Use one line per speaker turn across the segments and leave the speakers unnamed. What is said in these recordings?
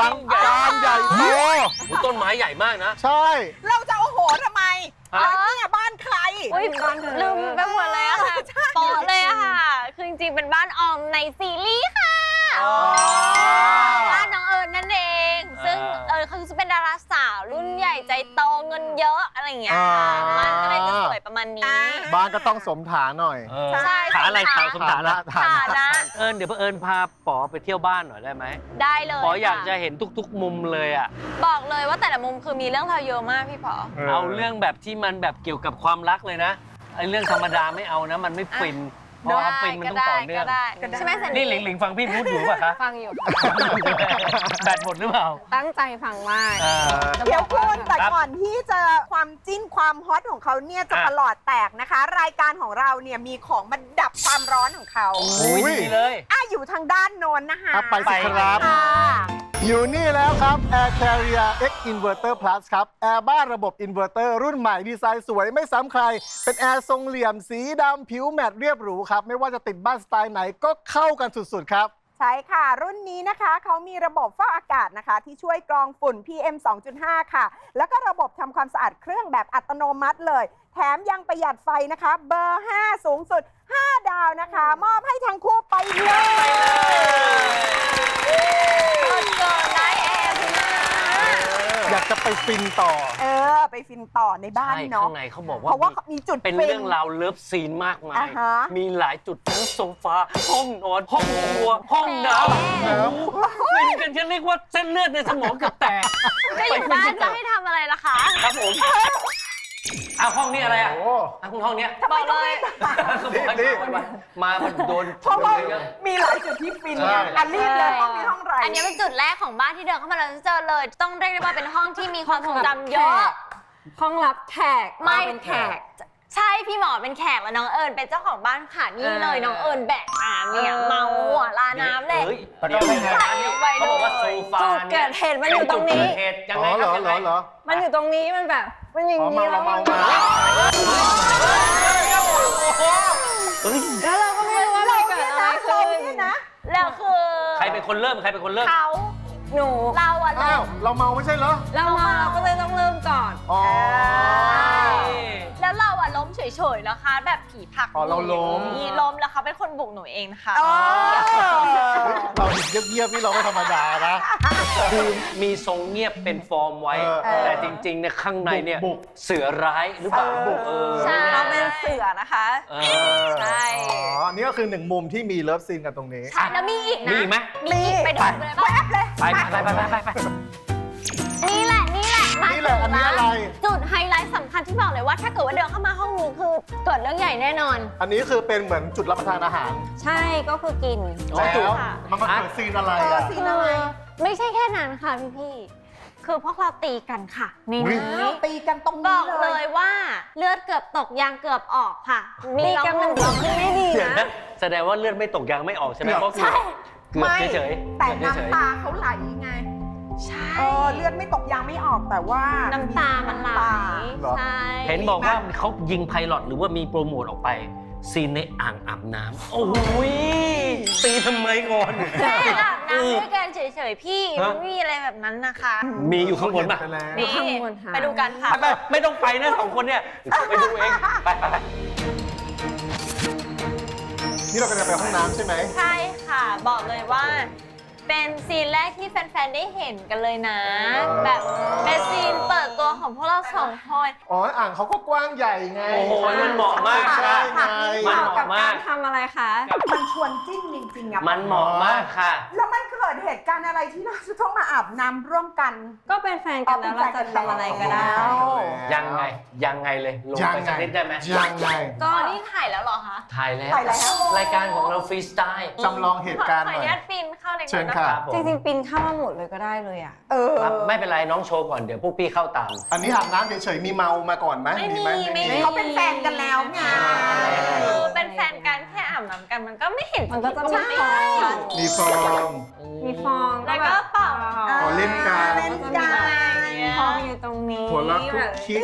ลังการใหญ่โต
ต้นไม้ใหญ่มากนะ
ใช่
เราจะโอ้โหทำไมแล้วเนี่ยบ้านใคร
อุ้ยลืมไปหมดเลยอะค่ะโปะเลยอะค่ะ คือจริงๆเป็นบ้านออมในซีรีส์ค่ะบ้านน้องเอิญนั่นเอง ซึ่งเขาจะเป็นดาราสาวรุ่นใหญ่ใจโตเงินเยอะอะไรอย่างเงี้ยมันก็เลยจะสวยประมาณนี้
บ้านก็ต้องสมฐานหน่อย
ใช่
ฐานอะไรฐานสมฐานละ
ฐานะ
เดี๋ยวเอิญพาป๋อไปเที่ยวบ้านหน่อยได้ไหม
ได้เลย
ป๋ออยากจะเห็นทุกๆมุมเลยอ่ะ
บอกเลยว่าแต่ละมุมคือมีเรื่องราวเยอะมากพี่ป๋อ
เอาเรื่องแบบที่มันแบบเกี่ยวกับความรักเลยนะไอ้เรื่องธรรมดาไม่เอานะมันไม่ฟินเพราะว่าฟินมันต้องต่อเนื่อง
ใช่ไหมสัน
นี่หลิงฟังพี่พูดอยู่ป่ะคะ
ฟังอยู่
แบตหมดหรือเปล่า
ตั้งใจฟังมาก
เดี๋ยวคุณแต่ก่อนที่จะความจิ้นความฮอตของเขาเนี่ยจะประหลอดแตกนะคะ รายการของเราเนี่ยมีของมาดับความร้อนของเขา
โอ้ยดีเลย
อยู่ทางด้านโน้นนะคะ
ไปสิครับ
ค่ะ
อยู่นี่แล้วครับ Air Carrier X Inverter Plus ครับแอร์บ้านระบบอินเวอร์เตอร์รุ่นใหม่ดีไซน์สวยไม่ซ้ำใคร เป็นแอร์ทรงเหลี่ยมสีดำผิวแมตต์เรียบหรูครับ ไม่ว่าจะติดบ้านสไตล์ไหนก็เข้ากันสุดๆครับ
ใช่ค่ะ รุ่นนี้นะคะเขามีระบบฟอกอากาศนะคะ ที่ช่วยกรองฝุ่น PM 2.5 ค่ะ แล้วก็ระบบทำความสะอาดเครื่องแบบอัตโนมัติเลย แถมยังประหยัดไฟนะคะ เบอร์ 5 สูงสุด 5 ดาวนะคะ มอบให้ทั้งคู่ไปเลย
ได้แอร์พี่มา
อยากจะไปฟินต่อ
ไปฟินต่อในบ้าน
ใช่
เนาะ
ข้างในเขาบอกว่า
เพราะว่ามีจุด
เป็น
ฟิ
เรื่องราวเลิฟซีนมากมาย
อ่าฮะ
มีหลายจุดทั้งโซฟาห้องนอนห้องครัวห้องน้ำฟินกันฉันเรียกว่าเส้นเลือดในสมองเกือบแตก
จะอยู่บ้านจะให้ทำอะไรล่ะคะ
ครับผมห้องนี้อะไรอ่ะ
โอ้
ห้องเนี้ย
บอกเลย
เขาบอกให้มาโดน
เพราะว่า
เยอะ
มีหลายจุดที่ฟิน
ใช่
อันรีบเลยห้องนี้ห้องไร
อันนี้เป็นจุดแรกของบ้านที่เดินเข้ามาเราจะเจอเลย ต้องเรียกได้ว่าเป็นห้องที่มีความทรงจำเยอะ
ห้องรับแขก
ไม่
เป็นแขก
ใช่พี่หมอเป็นแขกแล้วน้องเอิญเป็นเจ้าของบ้านค่ะนี่เลยน้องเอิญแบกเนี่ยเมาหัวลาน้ำเลย
ฮ้
แต่ก็ไม่ไง
เขาบอกว่าโซฟา
จุดเกิดเหตุมันอยู่ตรงนี้
จุดเกิดเหตุยัง
อ๋
ไง
อ
ค
เหร
รับ
อ
ยัง
เหร
ไง
อเหรอ
มันอยู่ตรงนี้มันแบบ มันอย่าง
อ๋อ
นี้
เมา
แล้ว
เมา
แล้วเราก็ไม่รู้ว่ามันเกิดอะไรขึ้น
เนี่ยนะ
แล้วคือ
ใครเป็นคนเริ่มใครเป็นคนเริ่ม
เขา
หนู
เราอะ
อ้าวเราเมาไม่ใช่เหรอ
เรามาเราก็เลยต้องเริ่มก่อน
อ๋อ
แล้วเราอะล้มเฉยๆนะคะ แบบผีผลัก
อ๋อเราล้ม
นี่ล้มแล้วเขาเป็นคนบุกหนูเองนะคะ
เราเงียบๆนี่เราไม่ธรรมดานะ
คือมีทรงเงียบเป็นฟอร์มไว้ แต่จริงๆเนี่ยข้างในเนี่ย
บุก
เสือร้ายหรือเปล่า
ใช่
เราเป็นเสือนะคะ
เอ
ใช่
อ๋อ นี่ก็คือหนึ่งมุมที่มีเลิฟซีนกันตรงนี้
ใช่แล้วมีอีก
มี
นะ
อีกไหม
มีอีกไปดูเลยป่ะ
ไป
นี่แหละมา
นี่แหละอันนี้อะไร
จุดไฮไลท์สำคัญที่บอกเลยว่าถ้าเกิดว่าเดินเข้ามาห้องนี้คือเกิดเรื่องใหญ่แน่นอน
อันนี้คือเป็นเหมือนจุดรับประทานอาหาร
ใช่ก็คือกิน
แล้วมันมาเกิดซีนอะไรอ่ะ
ซีนอะไร
ไม่ใช่แค่นั้นค่ะพี่คือพวกเราตีกันค่ะใน
อุ๊ย
นี้
ตีกันตรง
บ
นี้
อก
เล
เลย ยว่าเลือดเกือบตกยางเกือบออกค่ะ
ตีกันมันก็ไม่ดี
เดี๋ยว
นะ
นะแสดงว่าเลือดไม่ตกยางไม่ออกใช่ไหมเพราะเกือบเฉยๆ
แต่
เกือบเฉย
น้ำตาเขาไหลไง
ใช่
เลือดไม่ตกยางไม่ออกแต่ว่า
น้ำตามันไหล
เหรอ
ใช่
ๆเห็นบอกว่าเขายิงไพลอตหรือว่ามีโปรโมทออกไป ซีนในอ่างอาบน้ำโอ้ยตีทำไมก่อน
แค่อาบน้ำด้วยกันเฉยๆพี่
ฮะ
มันไม่มีอะไรแบบนั้นนะคะ
มีอยู่ข้างบนป่ะ
ไปแล้ว
นี่
ข้างบนค่ะ
ไปดูกันค่ะ
ไปไม่ต้องไปนะสองคนเนี่ยไปดูเองไป
นี่เรากำลังไปห้องน้ำใช่ไหม
ใช่ค่ะ บอกเลยว่า เป็นซีนแรกที่แฟนๆ ได้เห็นกันเลยนะ แบบเป็นซีนเปิดตัวของพวกเราสองคน
อ๋อ อ่างเขาก็กว้างใหญ่ไง
โอ้โหมันเหมาะมาก
ใช่
ค่ะ
ไง
มันเห
กั
มาะ
บ
มาก
ารทำอะไรคะ
มันชวนจิ้นจริงๆอะ
มันเหมาะมากค่ะ
แล้วมันเกิดเหตุการณ์อะไรที่เราจะต้องมาอาบน้ำร่วมกัน
ก็เป็นแฟนกันแล้วเราจะทำอะไรก็ได้
ยังไงเลยลง
ยัง
ไป
ไง
สักนิดได้ไหม
ยังไง
ก็นี่ถ่ายแล้วเหรอคะ
ถ่ายแล้ว
ถ่ายแล้ว
รายการของเราฟรีสไตล์
จำลองเหตุการณ์
ขอ
ห
อ
น่อย
นุญาตปีนเข้าใน
เชิญ
นะ
ค่ะ
คะ
จริงๆ ปินเข้ามาหมดเลยก็ได้เลยอ่ะ
ครับไม่เป็นไรน้องโชว์ก่อนเดี๋ยวพวกพี่เข้าตาม
อันนี้อาบน้ำเฉยๆ มีเมามาก่อนไหม
ไม่มี
ไห
ไม่มี
เขาเป็นแฟนกันแล้วไง
เป็นแฟนกันแค่อาบน้ำกันมันก็ไม่เห็น
มันก็จะมี
ใช่
ฟอง
มีฟอง
มีฟอง
แล้วก็เป่า
อ๋อเล่นกัน
เล่นกัน
ฟองอยู่ตรงนี้
หัวละคุกคิก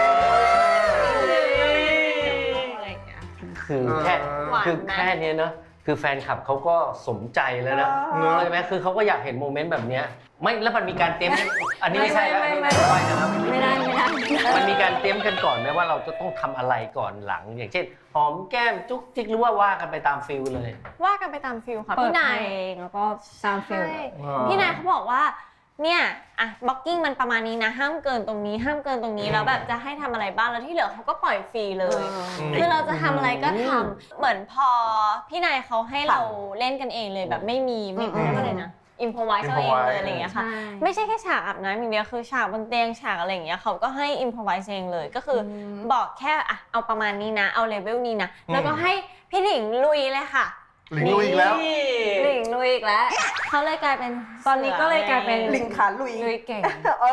อะไรอย่างเงี้ย
คือแค่เนี้ยเนอะคือแฟนคลับเขาก็สมใจแล้วนะ
เนอะ
ใช่ไหมคือเขาก็อยากเห็นโมเมนต์แบบเนี้ยไม่แล้วมันมีการเตรียมกันอันนี้ไม่ใช่แล้วอันนี้ไม่ใช่นะครับ
ไม่ได้
มันมีการเตรียมกันก่อนไหมว่าเราจะต้องทำอะไรก่อนหลัง อย่างเช่นหอมแก้มจุ๊กจิ๊กหรือว่ากันไปตามฟิลเลย
ว่ากันไปตามฟิลค่ะ
เปิด
พี่
เพ
นาย
ลงแล้วก็ซาวด์ฟิล
ใช่พี่นายเขาบอกว่าเนี่ยอะบล็อกกิ้งมันประมาณนี้นะห้ามเกินตรงนี้ห้ามเกินตรงนี้แล้วแบบจะให้ทำอะไรบ้างแล้วที่เหลือเขาก็ปล่อยฟรีเลย คือเราจะทำอะไรก็ทำเหมือนพอพี่นายเขาให้เราเล่นกันเองเลยแบบไม่เรียกว่าอะไรนะอิมพอไวส์เอาเองเลยอะไรอย่างเงี้ยค่ะ ไม่ใช่แค่ฉากอาบน้ำอย่างเดียวคือฉากบนเตียงฉากอะไรอย่างเงี้ยเขาก็ให้อิมพอไวส์เองเลยก็คือบอกแค่อะเอาประมาณนี้นะเอาเลเวลนี้นะแล้วก็ให้พี่หนิงลุยเลยค่ะ
หลิงลุยอีกแล้ว
หลิงลุยอีกแล้ว
เขาเลยกลายเป็น
ตอนนี้ก็เลยกลายเป็น
ลิงขาลุย
ลุยเก่ง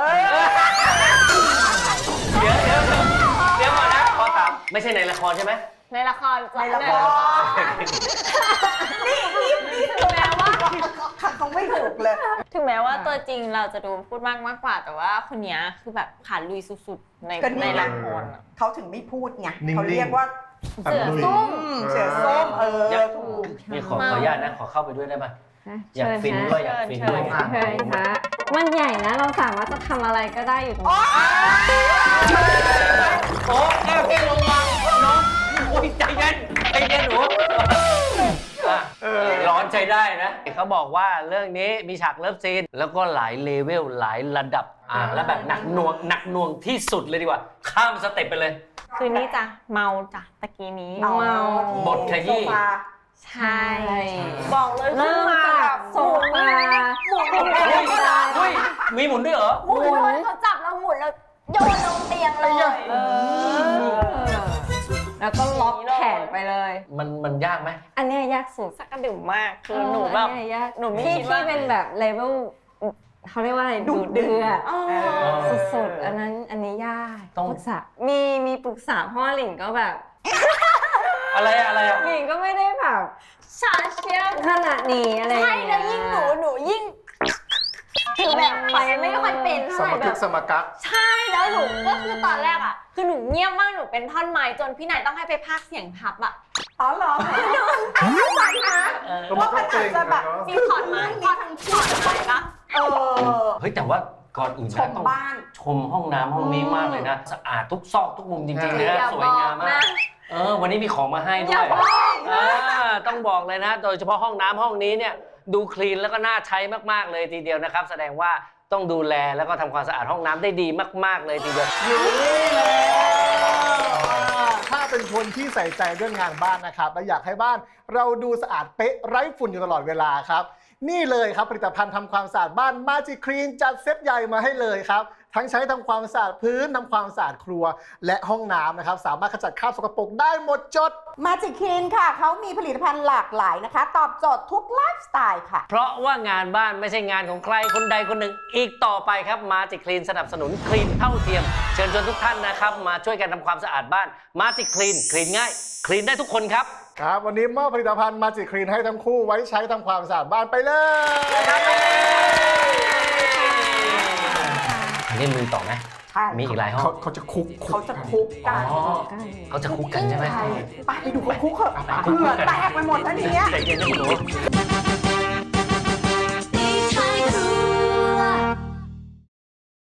เดี๋ยวก่อนนะขอถามไม่ใช่ในละครใช่ไหม
ในละคร
ในละคร นี่ถึงแม้ว่าเขาไม่ถูกเลย
ถึงแม้ว่าตัวจริงเราจะดูพูดมากกว่าแต่ว่าคนเนี้ยคือแบบขาลุยสุดๆใน
ก็นี่
ในละครอะ
เขาถึงไม่พูดไง
นิ่งๆ
เขาเรียกว่า
เสือส้ม
เสือส้มถูก
นี่ขออนุญาตนะขอเข้าไปด้วยได้ไหมอยากฟินด้วยอยากฟินด้วย
เชิญฮะมันใหญ่นะเราสามารถจะทำอะไรก็ได้อยู่ตรงนี้
โอ้แก้วลงมาน้องโอ้ยใจเย็นหนูร้อนใจได้นะเขาบอกว่าเรื่องนี้มีฉากเลิฟซีนแล้วก็หลายเลเวลหลายระดับแล้วแบบหนักหน่วงที่สุดเลยดีกว่า ข้ามสเต็ปไปเลย
คืนนี้จ้ะเมาจ้ะตะกี้นี้
เมา
บทขยี้
โซฟา
ใช่บอกเลย
เริ่มจากโซฟา
เฮ้ยมีหมุนด้วยเหรอ
หมุนเขาจับเราหมุนแล้วโยนลงเตียงเลย
แล้วก็ล็อกแขนไปเลย
มันยากไหม
อันเนี้ยยากสุด
สักกระดื่มมากคือหนูแบบ
อันเนี้ยยาก
หนูไม่
ที่
คิดว่า
ที่เป็นแบบเลเวลเขาเรียกว่าอะไรดุเดือดสุดๆอันนี้ยาก
ต้อง
ปรึกษามีปรึกษาพ่อหลิงก็แบบ
อะไรอะ
หลิงก็ไม่ได้แบบ
ชาเชียม
ขนาดนี้อะไรอ
ใช่
ย่าง
แล้ว
เงี้
ยิ่งหนูยิ่งคือแบบไปไม่ค่อยเป็นเท่า
ส
ไห
ม
ร่แบ
ทึก
บ
สมกัก
ใช่แล้วหนูก็คือตอนแรกอ่ะคือหนูเงียบมากหนูเป็นท่อนไม้จนพี่นายต้องให้ไปพากย์เสียงทับอ่ะ
อ๋อเหรอไม่ฟังนะว่ามันอาจจะแบบ
มีถอดไม้ถอดไม้ปะ
เฮ้ยแต่ว่าก่อนอื่น
ช
นะ
ม
ต้อง
บ้าน
ชมห้องน้ำห้องนี้มากเลยนะ สะอาดทุกซอกทุกมุมจริงๆเลยนะสวยงามมากวันนี้มีของมาให้ด้วยต้องบอกเลยนะ โดยเฉพาะห้องน้ำห้องนี้เนี่ยดูคลีนแล้วก็น่าใช้มากๆเลยทีเดียวนะครับแสดงว่าต้องดูแลแล้วก็ทำความสะอาดห้องน้ำได้ดีมากๆเลยทีเดียว
อยู่นี่แล้วถ้าเป็นคนที่ใส่ใจเรื่องงานบ้านนะครับและอยากให้บ้านเราดูสะอาดเป๊ะไร้ฝุ่นอยู่ตลอดเวลาครับนี่เลยครับผลิตภัณฑ์ทำความสะอาดบ้าน Magic Clean จัดเซตใหญ่มาให้เลยครับทั้งใช้ทำความสะอาดพื้นทำความสะอาดครัวและห้องน้ำนะครับสามารถขจัดคราบสกปรกได้หมดจด
มาจิคินค่ะเขามีผลิตภัณฑ์หลากหลายนะคะ ตอบโจทย์ทุกไลฟ์สไตล์ค่ะ
เพราะว่างานบ้านไม่ใช่งานของใครคนใดคนหนึ่งอีกต่อไปครับMagic Clean สนับสนุนคลีนเท่าเทียมเชิญชวนทุกท่านนะครับมาช่วยกันทำความสะอาดบ้านMagic Clean คลีนง่ายคลีนได้ทุกคนครับ
ครับวันนี้มอบผลิตภัณฑ์ Magic Clean ให้ทั้งคู่ไว้ใช้ทำความสะอาดบ้านไปเลย
อันนี้มีต่อไหม
ใช่
มีอีกหลายห้อง
เขาจะคุก
เขาจะคุกกัน
เขาจะคุกกันใช่ไหม
ไปดูเขาคุกเถอะเผื่อแตกไปหมดแล้วทีเนี้ย
ใจเย็นนะคุณหนู